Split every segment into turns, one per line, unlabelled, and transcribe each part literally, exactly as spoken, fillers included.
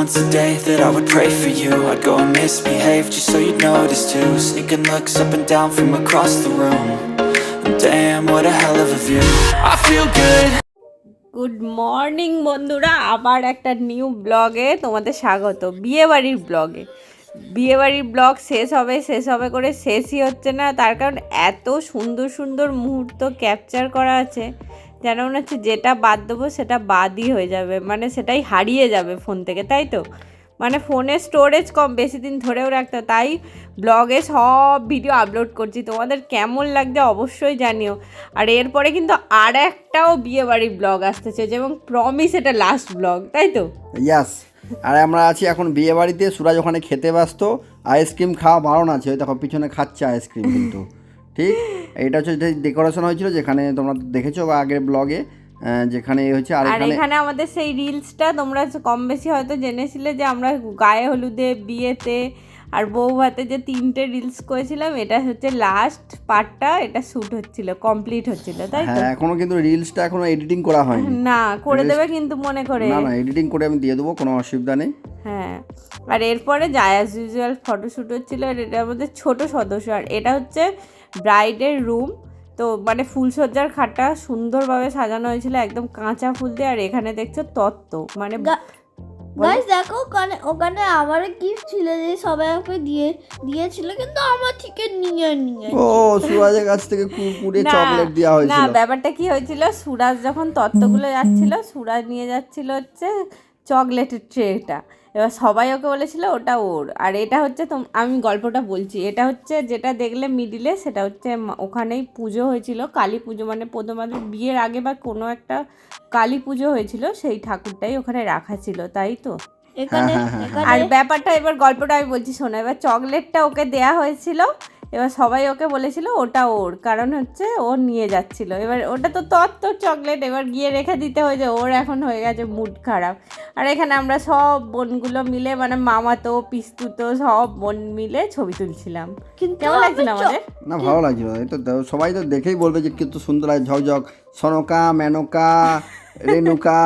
once a day that I would pray for you. I'd go and misbehave just so you'd notice too. Sneaking looks up and down from across the room. And damn, what a hell of a view. I feel good.
Good morning বন্ধুরা, আবার একটা new ব্লগে তোমাদের স্বাগত। বিয়েবাড়ির ব্লগে বিয়েবাড়ির blog শেষ হবে শেষ হবে করে শেষই হচ্ছে না। তার কারণ এত সুন্দর সুন্দর মুহূর্ত ক্যাপচার করা আছে, যেন মনে হচ্ছে যেটা বাদ দেবো সেটা বাদই হয়ে যাবে, মানে সেটাই হারিয়ে যাবে ফোন থেকে, তাই তো। মানে ফোনের স্টোরেজ কম, বেশি দিন ধরেও রাখতে, তাই ব্লগে সব ভিডিও আপলোড করছি। তোমাদের কেমন লাগছে অবশ্যই জানিও। আর এরপরে কিন্তু আর একটাও বিয়েবাড়ির ব্লগ আসতেছে, যেমন প্রমিস এটা লাস্ট ব্লগ, তাই তো।
ইয়াস, আর আমরা আছি এখন বিয়ে বাড়িতে। সুরাজ ওখানে খেতে ব্যস্ত, আইসক্রিম খাওয়া বারণ আছে, ওই দেখো পিছনে খাচ্ছে আইসক্রিম কিন্তু। ঠিক, এইটা হচ্ছে ডেকোরেশন হয়েছিল যেখানে তোমরা দেখেছো বা আগের ব্লগে, যেখানে হচ্ছে। আর
এখানে আমাদের সেই রিলসটা তোমরা কম বেশি হয়তো জেনেছিলে যে আমরা গায়ে হলুদে, বিয়েতে আর বউ ভাতে যে তিনটে রিলস করেছিলাম, এটা হচ্ছে লাস্ট পার্টটা, এটা শ্যুট হচ্ছিল, কমপ্লিট হচ্ছিল, তাই তো।
হ্যাঁ, এখনো কিন্তু রিলসটা এখনো এডিটিং করা হয়নি।
না, করে দেবে কিন্তু মনে করে।
না না, এডিটিং করে আমি দিয়ে দেবো, কোনো অসুবিধা নেই।
হ্যাঁ, আর এরপরে যায় অ্যাজ ইউজুয়াল ফটোশ্যুট হচ্ছিল। আর এটা আমাদের ছোট সদস্য, আর এটা হচ্ছে ব্রাইডের রুম। তো মানে ফুলসজ্জার খাটটা সুন্দরভাবে সাজানো হয়েছিল একদম কাঁচা ফুল দিয়ে। আর এখানে দেখছো তত্ত্ব, মানে
গাইস দেখো ওখানে ওখানে আমার গিফট ছিল যে সবাই আমাকে দিয়ে দিয়েছিল, কিন্তু আমার থেকে নিয়ে নিয়ে
ও সুরাজের কাছ থেকে কুরকুরে চকলেট দেওয়া হয়েছিল।
না, ব্যাপারটা কি হয়েছিল, সুরাজ যখন তত্ত্বগুলো যাচ্ছিল, সুরাজ নিয়ে যাচ্ছিল হচ্ছে চকলেটের ট্রেটা। এবার সবাই ওকে বলেছিল ওটা ওর। আর এটা হচ্ছে, তো আমি গল্পটা বলছি, এটা হচ্ছে যেটা দেখলে মিডিলে, সেটা হচ্ছে ওখানেই পুজো হয়েছিল, কালী পুজো, মানে প্রথমাদের বিয়ের আগে বা কোনো একটা কালী পুজো হয়েছিল, সেই ঠাকুরটাই ওখানে রাখা ছিল, তাই তো।
এখানে
আর ব্যাপারটা এবার গল্পটা আমি বলছি শোনো। এবার চকলেটটা ওকে দেয়া হয়েছিল, এবার সবাই ওকে বলেছিল ওটা ওর, কারণ হচ্ছে ও নিয়ে যাচ্ছিল। এবার ওটা তো তত্ত্ব চকলেট, এবার গিয়ে রেখে দিতে হয়েছে, ওর এখন হয়ে গেছে মুড খারাপ। আর এখানে আমরা সব বোনগুলো মিলে, মানে মামাতো পিস্তুতো সব বোন মিলে ছবি তুলছিলাম।
কিন্তু
কেমন লাগছিল আমাদের?
না, ভালো লাগছিল। এই তো সবাই তো দেখেই বলবে যে কিন্তু সুন্দর লাগে, ঝকঝক। সনকা, মেনকা, রেণুকা,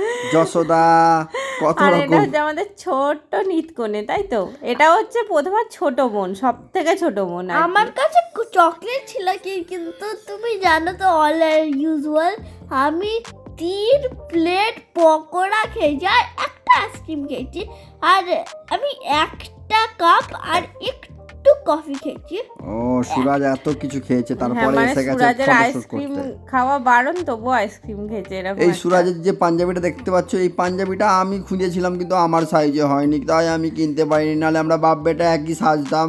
যশোদা, কত
আর
রকম।
এটা হচ্ছে আমাদের ছোট্ট নিতকনে, তাই তো। এটা হচ্ছে প্রথমে ছোট বোন, সব থেকে ছোট বোন।
আমার কাছে চকলেট ছিল কি, কিন্তু তুমি জানো তো অল ইউজুয়াল আমি তিন প্লেট পকোড়া খেয়েছি আর একটা আইসক্রিম খেয়েছি, আর আমি একটা কাপ আর একটু কফি খেয়েছি।
ও সুরাজ এত কিছু খেয়েছে, তারপরে এসে গেছে
সুরাজের আইসক্রিম খাওয়া বারণ, তবু আইসক্রিম খেয়েছে এরকম।
এই সুরাজের যে পাঞ্জাবিটা দেখতে পাচ্ছ, এই পাঞ্জাবিটা আমি খুঁজেছিলাম কিন্তু আমার সাইজে হয়নি, তাই আমি কিনতে পারিনি, নাহলে আমরা বাপ বেটা একই সাজতাম।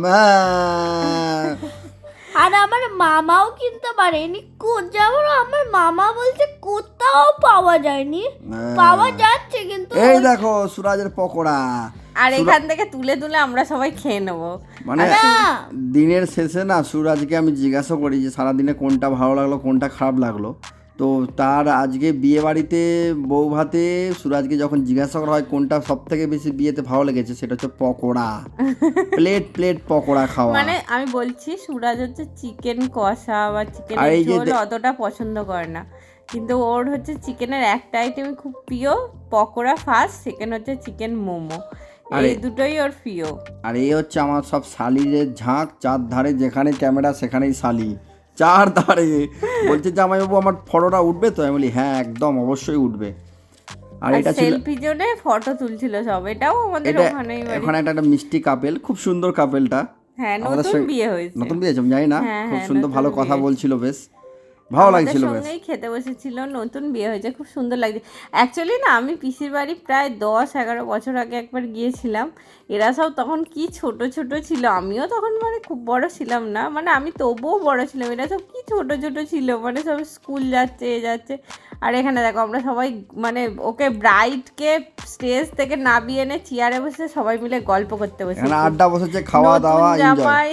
হ্যাঁ,
আর আমার মামাও কিনতে পারেনি, যেমন আমার মামা বলছে কোথাও পাওয়া যায়নি, পাওয়া যাচ্ছে কিন্তু।
এই দেখো সুরাজের পকোড়া,
আর এখান থেকে তুলে তুলে আমরা সবাই খেয়ে নেবো।
মানে দিনের শেষে না সুরাজকে আমি জিজ্ঞাসা করি যে সারাদিনে কোনটা ভালো লাগলো কোনটা খারাপ লাগলো। তো তার আজকে বিয়ে বাড়িতে বউ ভাতে সুরাজকে যখন জিজ্ঞাসা করা হয় কোনটা সব থেকে বেশি বিয়েতে ভালো লেগেছে, সেটা হচ্ছে পকোড়া। প্লেট প্লেট পকোড়া খাওয়া।
মানে আমি বলছি সুরাজ হচ্ছে চিকেন কষা বা চিকেন ঝোল অতটা পছন্দ করে না, কিন্তু ওর হচ্ছে চিকেনের একটা আইটেমই খুব প্রিয়, পকোড়া ফার্স্ট, সেকেন্ড হচ্ছে চিকেন মোমো, এই দুটোই ওর প্রিয়।
আর এই হচ্ছে আমার সব শালিরের ঝাঁক, চার ধারে যেখানে ক্যামেরা সেখানেই শালি, চার ধারে। বলছে জামাইবাবু আমার ফটোটা উঠবে তো? আমি বলি হ্যাঁ একদম অবশ্যই উঠবে। আর এটা ছিল
সেলফি জোনে ফটো তুলছিল সব, এটাও আমাদের ওখানেই।
ওখানে একটা একটা মিষ্টি কাপেল, খুব সুন্দর কাপেলটা।
হ্যাঁ, নতুন বিয়ে হয়েছে।
নতুন বিয়ে হয়েছে আমি জানি না, খুব সুন্দর ভালো কথা বলছিল, বেশ ভালো লাগছিল। বেশ
সঙ্গেই খেতে বসেছিল, নতুন বিয়ে হয়েছে, খুব সুন্দর লাগছে। অ্যাকচুয়ালি না, আমি পিসির বাড়ি প্রায় দশ এগারো বছর আগে একবার গিয়েছিলাম। এরা সব তখন কি ছোট ছোট ছিল, আমিও তখন মানে খুব বড় ছিলাম না, মানে আমি তবুও বড় ছিলাম। এরা সব কি ছোট ছোট ছিল, মানে সব স্কুল যাচ্ছে এ যাচ্ছে। আর এখানে দেখো আমরা সবাই মানে ওকে ব্রাইডকে স্টেজ থেকে নামিয়ে এনে চেয়ারে বসে সবাই মিলে গল্প করতে বসে
আড্ডা বসেছে, খাওয়া দাওয়া
জামাই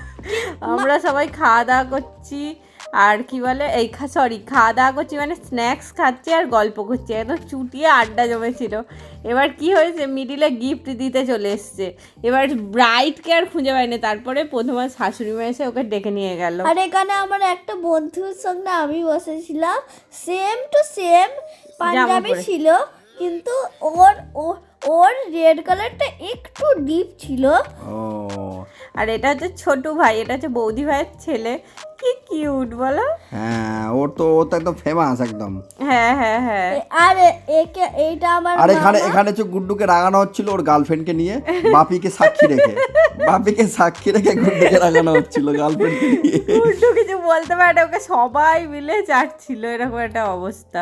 আমরা সবাই খাওয়া দাওয়া করছি। আর কি বলে এই সরি খাওয়া দাওয়া করছি মানে স্ন্যাক্স খাচ্ছি আর গল্প করছি, একদম চুটিয়ে আড্ডা জমেছিল। এবার কি হয়েছে, মিডিলে গিফট দিতে চলে এসছে, এবার ব্রাইডকে আর খুঁজে পাইনি। তারপরে প্রথমে শাশুড়ি মা এসে ওকে ডেকে নিয়ে গেল।
আর এখানে আমার একটা বন্ধুর সঙ্গে আমি বসেছিলাম, সেম টু সেম পাঞ্জাবি ছিল, কিন্তু ওর ওর রেড কালারটা একটু ডিপ ছিল।
ও
আর এটা হচ্ছে ছোট ভাই, এটা হচ্ছে বৌদি ভাইয়ের ছেলে। কি কিউট বলো।
হ্যাঁ, ওর তো ও তো একদম ফেমাস একদম।
হ্যাঁ হ্যাঁ হ্যাঁ।
আর একে এইটা আমার
আর এখানে
মামা।
এখানে হচ্ছে গুড্ডুকে রাগানো হচ্ছিল ওর গার্লফ্রেন্ডকে নিয়ে, বাপিকে সাক্ষী রেখে বাপিকে সাক্ষী রেখে গুড্ডুকে রাগানো হচ্ছিল গার্লফ্রেন্ডকে নিয়ে।
উল্টো কিছু বলতে পারে না, ওকে সবাই মিলে চাটছিল, এরকম একটা অবস্থা।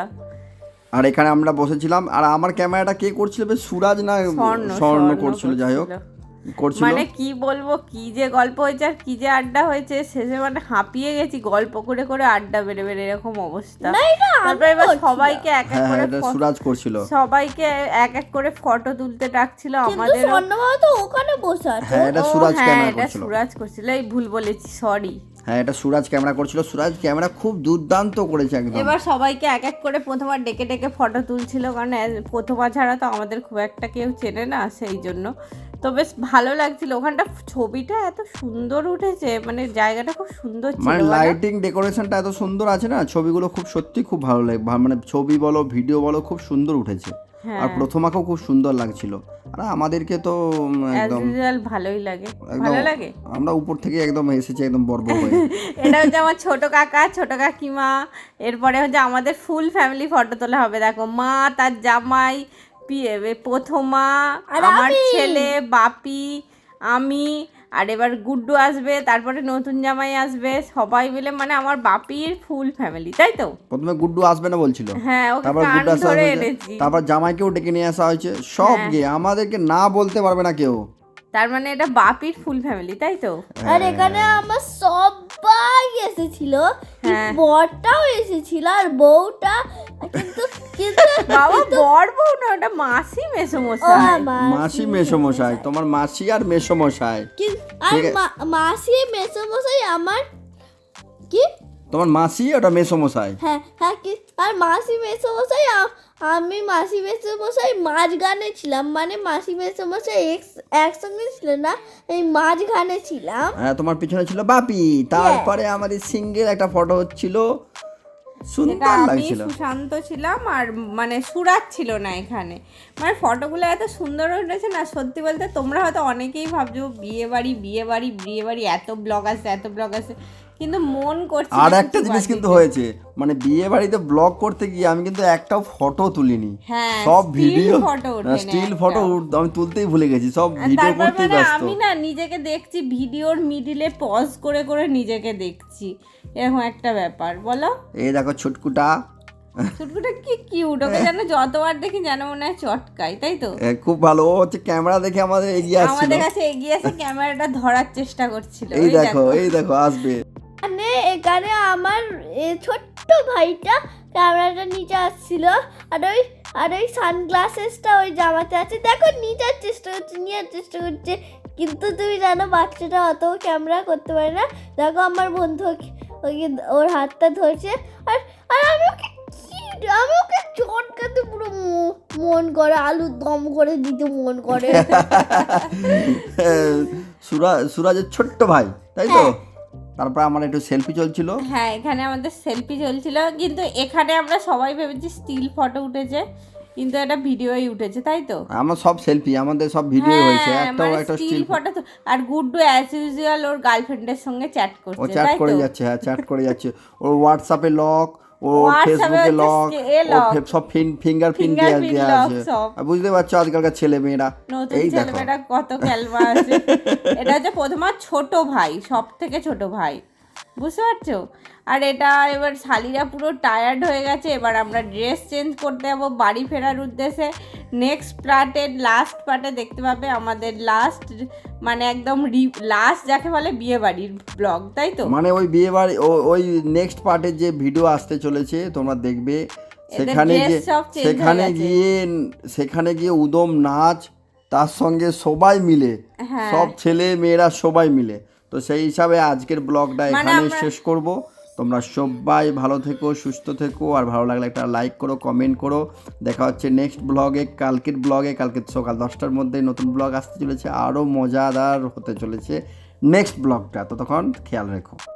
আর এখানে আমরা বসেছিলাম, আর আমার ক্যামেরাটা কে করছিল বেশ, সুরাজ না
স্বর্ণ
স্বর্ণ করছিল, যাই হোক করছিল।
মানে কি বলবো, কি যে গল্প হয়েছে আর কি যে আড্ডা হয়েছে, শেষে মানে হাঁপিয়ে গেছি গল্প করে করে, আড্ডা বেড়ে বেড়ে এরকম অবস্থা।
না, এটা আমি
তারপরে এবার
করছিলাম।
সবাইকে এক এক
হ্যাঁ
করে
এটা
ফ-
সুরাজ করছিল।
সবাইকে এক এক করে ফটো তুলতে ডাকছিল
কিন্তু
আমাদের।
স্বর্ণবাবু তো ওখানে বসে আছে।
হ্যাঁ এটা সুরাজ
হ্যাঁ
ক্যামেরা
এটা
করছিল।
সুরাজ করছিল, এই ভুল বলেছি, সরি।
হ্যাঁ এটা সুরাজ ক্যামেরা করছিল। সুরাজ ক্যামেরা খুব দুর্দান্ত করেছে একদম।
এবার সবাইকে এক এক করে প্রথমবার ডেকে ডেকে ফটো তুলছিল, কারণ এ- প্রথমবার ছাড়া তো আমাদের খুব একটা কেউ চেনে না, সেই জন্য। তো বেশ ভালো লাগছিল ওখানটা, ছবিটা এত সুন্দর উঠেছে, মানে জায়গাটা খুব সুন্দর ছিল।
মানে
বলো?
লাইটিং ডেকোরেশনটা এত সুন্দর আছে না, ছবিগুলো খুব সত্যি খুব ভালো লাগে, ভা- মানে ছবি বলো ভিডিও বলো খুব সুন্দর উঠেছে। আর প্রথমাকেও খুব সুন্দর লাগছিল। আর আমাদেরকে তো উম,
As
একদম
usual ভালোই লাগে,
একদম
ভালো লাগে।
আমরা উপর থেকে একদম এসেছি একদম বর্ব হয়ে।
এটা হচ্ছে আমার ছোট কাকা, ছোট কাকিমা, এরপরে হচ্ছে আমাদের ফুল ফ্যামিলি ফটো তোলা হবে। দেখো মা, তার জামাই, পি- এ, প্রথমা,
আর
আমার
আমি।
ছেলে, বাপি, আমি, আর এবার গুড্ডু আসবে, তারপরে নতুন জামাই আসবে, সবাই মিলে মানে আমার বাপির ফুল ফ্যামিলি, তাই তো?
প্রথমে গুড্ডু আসবে না বলছিল,
হ্যাঁ, ওকে
তারপর
কান
গুড্ডু আসা
ধরে
হয়েছে,
এনেছি।
তারপর জামাইকেও ডেকে নিয়ে আসা হয়েছে, সব গিয়ে আমাদেরকে না বলতে পারবে না কেউ।
তার মানে এটা বাপির ফুল ফ্যামিলি, তাই তো?
আর এখানে আমার সবাই এসেছিল,
হ্যাঁ।
বরটাও এসেছিল আর বউটা, কিন্তু কিন্তু
বাবা বর বউ না, ওটা মাসি
ও
মেসোমশাই।
আমার
মাসি মেসোমশাই, তোমার মাসি আর মেসোমশাই।
কি- আর
ঠিক আছে।
মা- মাসি মেসোমশাই আমার কি
তোমার মাসি ওটা মেসোমশাই।
হ্যাঁ হ্যাঁ কি আর মাসি মেসোমশাই আ- আমি মাসি মেসোমশাই মাঝখানে ছিলাম, মানে মাসি মেসোমশাই এক- একসঙ্গে ছিল না, এই মাঝখানে ছিলাম।
হ্যাঁ তোমার পিছনে ছিল বাপি, তারপরে আমাদের সিঙ্গেল একটা ফটো হচ্ছিল,
এটা
সুন্দর
আমি
লাগছিল।
সুশান্ত ছিলাম, আর মানে সুরাজ ছিল না এখানে। মানে ফটোগুলো এত সুন্দর উঠেছে না, সত্যি বলতে তোমরা হয়তো অনেকেই ভাবছো বিয়ে বাড়ি বিয়ে বাড়ি বিয়ে বাড়ি, এত ব্লগ আছে এত ব্লগ আছে, কিন্তু মন করছে
আর
না
একটা
কিছু
জিনিস
বাদ
কিন্তু
দিতে।
হয়েছে, মানে বিয়ে বাড়িতে ব্লগ করতে গিয়ে আমি কিন্তু একটাও ফটো তুলিনি,
হ্যাঁ,
সব
still
ভিডিও
photo ওঠেনি
স্টিল
একটা।
ফটো আমি তুলতেই ভুলে গেছি, সব
আর
ভিডিও
তারপর
করতেই
মানে
ব্যস্ত।
আমি না নিজেকে দেখছি ভিডিওর মিডিলে পজ করে করে নিজেকে দেখছি, এরকম একটা ব্যাপার। বলো,
এই দেখো ছুটকুটা,
ছুটকুটা কি কিউট, ওকে যেন যতবার দেখি যেন মনে হয় চটকাই, তাই তো?
এ, খুব ভালো, ও হচ্ছে ক্যামেরা দেখে আমাদের এগিয়ে আসছিল।
আমাদের কাছে এগিয়ে এসে ক্যামেরাটা ধরার চেষ্টা করছিল।
এই দেখো এই দেখো আসবে।
মানে এখানে আমার এ ছোট্ট ভাইটা ক্যামেরাটা নিচে আসছিল, আর ওই আর ওই সানগ্লাসেসটা ওই জামাতে আছে, দেখো নিচার চেষ্টা করছে, নেওয়ার চেষ্টা করছে, কিন্তু তুমি জানো বাচ্চাটা অত ক্যামেরা করতে পারে না। দেখো আমার বন্ধু ওকে- ওকে ওর হাতটা ধরছে, আর আর আমি ওকে কি আমি ওকে চটকাতে পুরো মো- মন করে, আলুর দম করে দিতে মন করে।
সুরাজ সুরাজের ছোট্ট ভাই, তাই তো? তারপর আমার একটু সেলফি চলছিল।
হ্যাঁ, এখানে আমাদের সেলফি চলছিল, কিন্তু এখানে আমরা সবাই ভেবেছি স্টিল ফটো উঠেছে, কিন্তু এটা ভিডিওই উঠেছে, তাই তো?
আমার সব সেলফি, আমাদের সব ভিডিও হয়েছে, একটাও একটা
স্টিল
স্টিল।
ফটো। আর গুড্ডু অ্যাজ ইউজুয়াল ওর গার্লফ্রেন্ডের সঙ্গে চ্যাট
ও
করছে,
চ্যাট
তাই
করে
তো?
যাচ্ছে, হ্যাঁ চ্যাট করে যাচ্ছে, ওর হোয়াটসঅ্যাপে লক, ও
WhatsApp-এ
ফেসবুকে
হচ্ছে
লক,
এ
ও
lock,
ফে- সব ফিঙ্গারপ্রিন্ট
fingerprint
দেওয়া
lock
আছে।
সব।
আর বুঝতে পারছো আজকালকার ছেলে মেয়েরা,
নতুন
এই দেখো
ছেলেমেয়েরা কত ক্যালমা আছে। এটা হচ্ছে প্রথমে ছোট ভাই, সব থেকে ছোট ভাই, বুঝতে পারছো? আর এটা এবার শালিরা পুরো টায়ার্ড হয়ে গেছে, এবার আমরা ড্রেস চেঞ্জ করতে যাবো বাড়ি ফেরার উদ্দেশ্যে। নেক্সট পার্টে লাস্ট পার্টে দেখতে পাবে আমাদের লাস্ট, মানে একদম লাস্ট যাকে বলে বিয়ে বাড়ির ব্লগ, তাই তো?
মানে ওই বিয়ে বাড়ি ও- ওই নেক্সট পার্টের যে ভিডিও আসতে চলেছে তোমরা দেখবে, সেখানে
dress
যে
সব change
সেখানে
হয়ে গেছে।
গিয়ে সেখানে গিয়ে উদম নাচ, তার সঙ্গে সবাই মিলে,
হ্যাঁ।
সব ছেলে মেয়েরা সবাই মিলে। তো সেই হিসাবে আজকের ব্লগটা
মানে
এখানে
আমরা-
শেষ করব। তোমরা সবাই ভালো থেকো, সুস্থ থেকো, আর ভালো লাগলে একটা লাইক করো, কমেন্ট করো। দেখা হচ্ছে নেক্সট ব্লগে, কালকের ব্লগে। কালকে সকাল দশটার মধ্যে নতুন ব্লগ আসতে চলেছে, আরও মজাদার হতে চলেছে নেক্সট ব্লগটা। ততক্ষণ খেয়াল রেখো।